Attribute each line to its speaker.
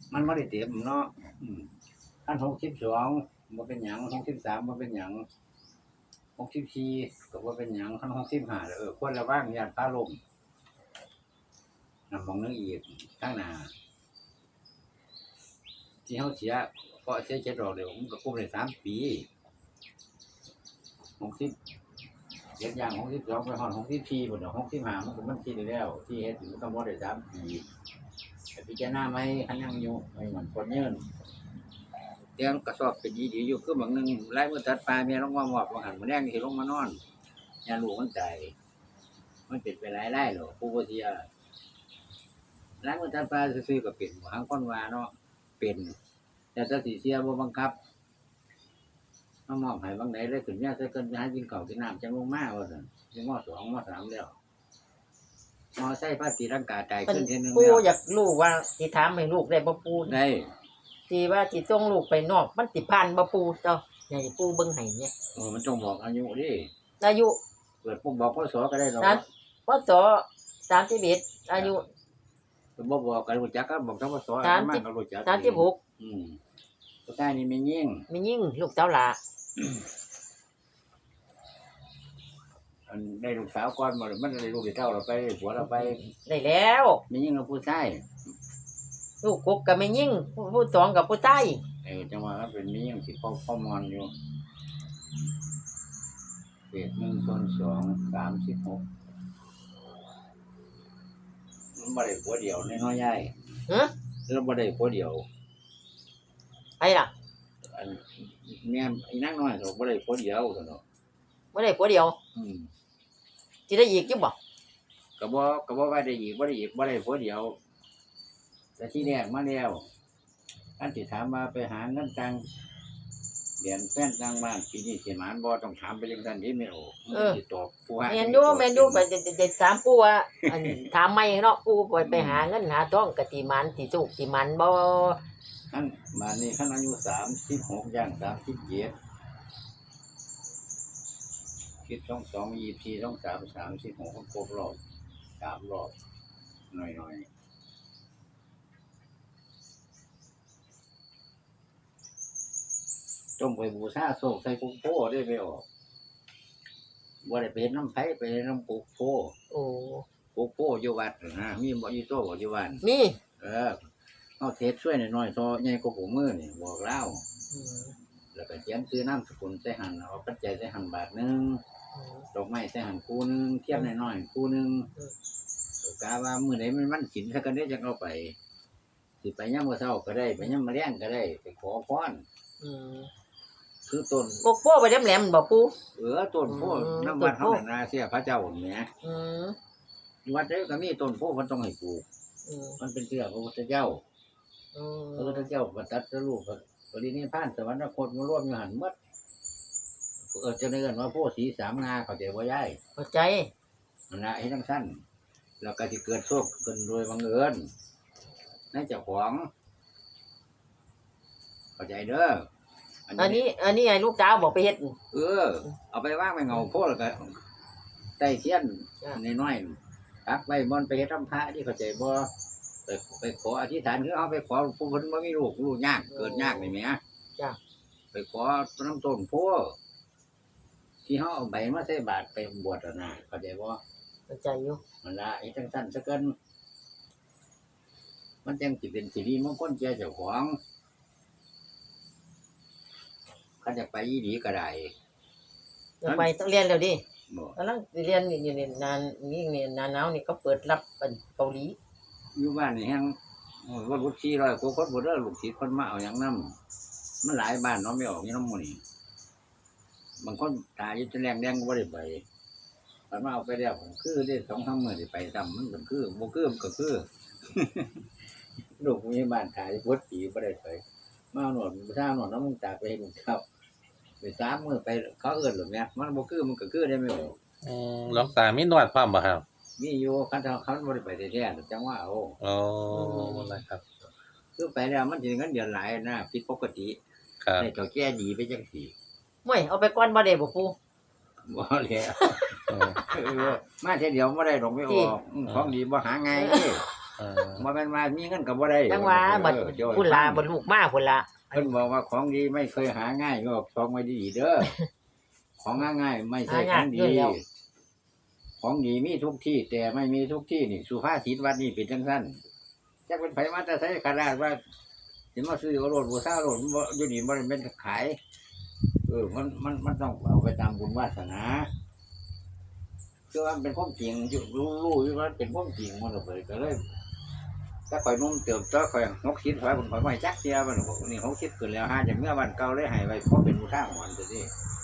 Speaker 1: มันบ่ได้เต็มเนาะอัน62บ่เป็นหยัง63บ่เป็นหยัง64ก็บ่เป็นหยังคัน65ควรระวังย้านฟ้าลมนำมองนึงอีกข้างหน้าที่เฮาเสียเพราะเสีย7ดอกเดี๋ยวมันก็คุมได้3ปี60 อย่าง62ไปฮอด64พุ่นดอก65มันก็มันคิดได้แล้วที่เฮ็ดมันต้องบ่ได้3ปีแต่พิจารณาใหม่คันยังอยู่ให้มันคนยืนเตียงกระสอบเป็นดีๆอยู่คือบางนึงลายมือตัดปลาเมียลงมามอบบ่หันมื้อแลงสิลงมานอนยาลูกมันตายมันเป็นไปหลายรายหรอกผู้บ่เสียลายมือตัดปลาซื่อๆก็เป็นบางคนว่าเนาะเป็นแต่ถ้าสิเสียบ่บังคับมามอบให้บางใดเลยขึ้นยาใส่เกินหากินข้าวกินน้ำจังลงมาว่าซั่นสิม.2 ม.3 แล้วมอไซค์พาตีร่างกายตายขึ้นเทื่อนึง
Speaker 2: ปู่
Speaker 1: แล้ว
Speaker 2: อยากรู้ว่าสิถามให้ลูกได้บ่ปู่
Speaker 1: ได้
Speaker 2: ที่ว่าสิส่งลูกไปนอกมันสิผ่านบ่ปู่เจ้าให้ปู่เบิ่งให้เนี่ย
Speaker 1: มันต้องบอกอายุดิ
Speaker 2: อายุ
Speaker 1: เปิดปุ๊บบอกพศก็ได้ดอก
Speaker 2: พศ31อายุ
Speaker 1: บ่บอกก็รู้จักก็บอกทั้งพศมาก็รู้จัก
Speaker 2: 36
Speaker 1: ผู้ชายนี่แม่ยิ่ง
Speaker 2: ลูกเจ้าหลา
Speaker 1: อันได้ลูกสาวก่อนบ่มันได้ลูกเต้าเราไปผัวเราไป
Speaker 2: ได้แล้ว
Speaker 1: แม่ยิ่งกับผู้ชาย
Speaker 2: ลูกกกก็แม่ยิ่งผู้สองกับผู้ชาย
Speaker 1: จังว่าเป็นแม่ยิ่งสิพ่อมอนอยู่เศษ1/2 36มันบ่ได้ผัวเดียวน้อยๆใหญ่แล้วบ่ได้ผัวเดียว
Speaker 2: ไอ้ล่ะ
Speaker 1: อันแม่อีนางน้อยก็บ่ได้ผัวเดียวซั่นเนาะ
Speaker 2: บ่ได้ผัวเดียวสิได้อีกอยู่บ่
Speaker 1: ก็บ่ว่าได้อีกบ่ได้ผัวเดียวแต่ที่แรกมาแล้วอันสิถามว่าไปหาเงินตังเดือนแฟนตังบ้านปีนี้สิหมานบ่ต้องถามไปจังซั่นดิแม่โอ้สิตอบผู้หา
Speaker 2: แม่นอยู่ไปจะถามปู่ว่าอันถามใหม่เนาะปู่ไปหาเงินหาทองก็สิหมานสิสุขสิหมานบ่
Speaker 1: คันบ้านนี้คันอายุ36ย่าง37คิด22 24 23 36ครบรอบ3รอบหน่อยๆต้องไปบูชาโศกใส่กุ๊กโพได้ไปออกบ่ได้ไปเฮ็ดน้ำไผไปน้ำกุ๊กโพกุ๊กโพอยู่วัดนะมีบ่อยู่โตบ่อยู่บ้าน
Speaker 2: มี
Speaker 1: เอาเทศช่วยหน่อยๆซอใหญ่กว่าผมมือนี่บอกเล่าแล้วก็เขียนซื้อน้ำสกุลใส่หั่นเอาปัจจัยใส่หั่นบาทนึงดอกไม้ใส่หั่นคู่นึงเทียมน้อยๆคู่นึงกะว่ามื้อไหนมันศีลซะกันได้จังเอาไปสิไปยามมื้อเช้าก็ได้ไปยามมื้อแลงก็ได้ไปขอพรคือต้น
Speaker 2: ปกโป้ไปแหลมๆบ่ปู่
Speaker 1: ต้นโพนำวัดเฮาน่ะเสียพระเจ้าแหมวัดใดก็มีต้นโพมันต้องให้ปลูกมันเป็นเชื่อพระพุทธเจ้าพระพุทธเจ้าตรัสรู้ปรินิพพานสวรรคตมารวมอยู่หั่นหมดจะเอิ้นว่าโพสีสามงาเข้าใจบ่ยาย
Speaker 2: เข้าใจ
Speaker 1: นั่นน่ะเฮ็ดจังซั่นแล้วก็สิเกิดโชคเกิดรวยบังเอิญในเจ้าของเข้าใจเด้อ
Speaker 2: อันนี้ให้ลูกสาวบอกไปเฮ็ด
Speaker 1: เอาไปวางไว้เงาโพแล้วก็ใต้เทียนน้อยๆปักไว้บนไปเฮ็ดทำพระที่เข้าใจบ่ไปขออธิษฐานคือเอาไปขอผู้เพิ่นบ่มีลูกยากเกิดยากนี่แหม
Speaker 2: จ้ะ
Speaker 1: ไปขอน้ำต้นโพที่เฮาเอาใบมาใส่บาตรไปบวชน่ะเข้าใจบ่
Speaker 2: เข้าใจอยู่
Speaker 1: นั่นล่ะไอ้จังซั่นซะเกินมันจังสิเป็นสิริมงคลแก่เจ้าของคันจะไปอีหลีก็ได้
Speaker 2: จะไปต้องเรียนแล้วดิกำลังเรียนนี่นานนี่หน้าหนาวนี่ก็เปิดรับเกาหลี
Speaker 1: อยู่บ้านนี่แฮงว่าลูก400กว่าคนบ่เด้อลูกศิษย์เพิ่นมาเอาหยังนำมันหลายบ้านเนาะไม่ออกอยู่นำหมู่นี่บางคนตายอยู่จนแรงแดงก็บ่ได้ไปมันมาเอาไปแล้วคือได้ 2-3 มื้อสิไปซ้ำมันก็คือบ่คือมันก็คือลูกผู้ใหญ่บ้านตายบ่ปีบ่ได้ไปมาเอาหนวดบ่ทาหนวดน้ำมึงตากไปเฮ็ดครับไป3มื้อไปเขาเอิ้นหรอกแม่มันบ่คือมันก็คือได้ไม่ออก
Speaker 3: หลวงตามีนวดพร้อมบ่ครับ
Speaker 1: มีอยู่คันเขาบ่ได้ไปแท้ๆจังว่าเอา
Speaker 3: นะครับ
Speaker 1: คือไปแล้วมันสิเงินเดือนหลายนะผิดปกติ
Speaker 3: ครับ
Speaker 1: ได้เฒ่าแก่ดีไปจังซี่
Speaker 2: โอ้ยเอาไปก่อนบ่ได้บ่ปู่
Speaker 1: บ่แล้วมาเทื่อเดียวบ่ได้ดอกไม่ออกของดีบ่หาง่ายเด้บ่แม่นว่ามีเงินก็บ่ได้
Speaker 2: จังว่าบัดพุ่นละบัดลูกมาพุ่นละ
Speaker 1: เพิ่นบอกว่าของดีไม่เคยหาง่ายก็ของไม่ดีเด้อ ของง่ายๆไม่ใช่ของดี ของดีมีทุกที่ แต่ไม่มีทุกที่นี่สุภาษิตวัดนี่เป็นจังซั่นจักเป็นไผมาแต่ไสขนาดว่าสิมาซื้อเอารถบูชารถบ่อยู่นี่บ่ได้เป็นขายมันต้องเอาไปตามบุญวาสนาคือว่ามันเป็นความจริงอยู่รู้อยู่ว่าเป็นความจริงมันก็เลยถ้าข่อยนุ่มเติบโตข่อย60ข่อยบ่จักเที่ยมันบอกนี่60ขึ้นแล้วหาจากเมื่อวันเก่าเลยให้ไว้เพราะเป็นอุทาหรณ์ตัวนี้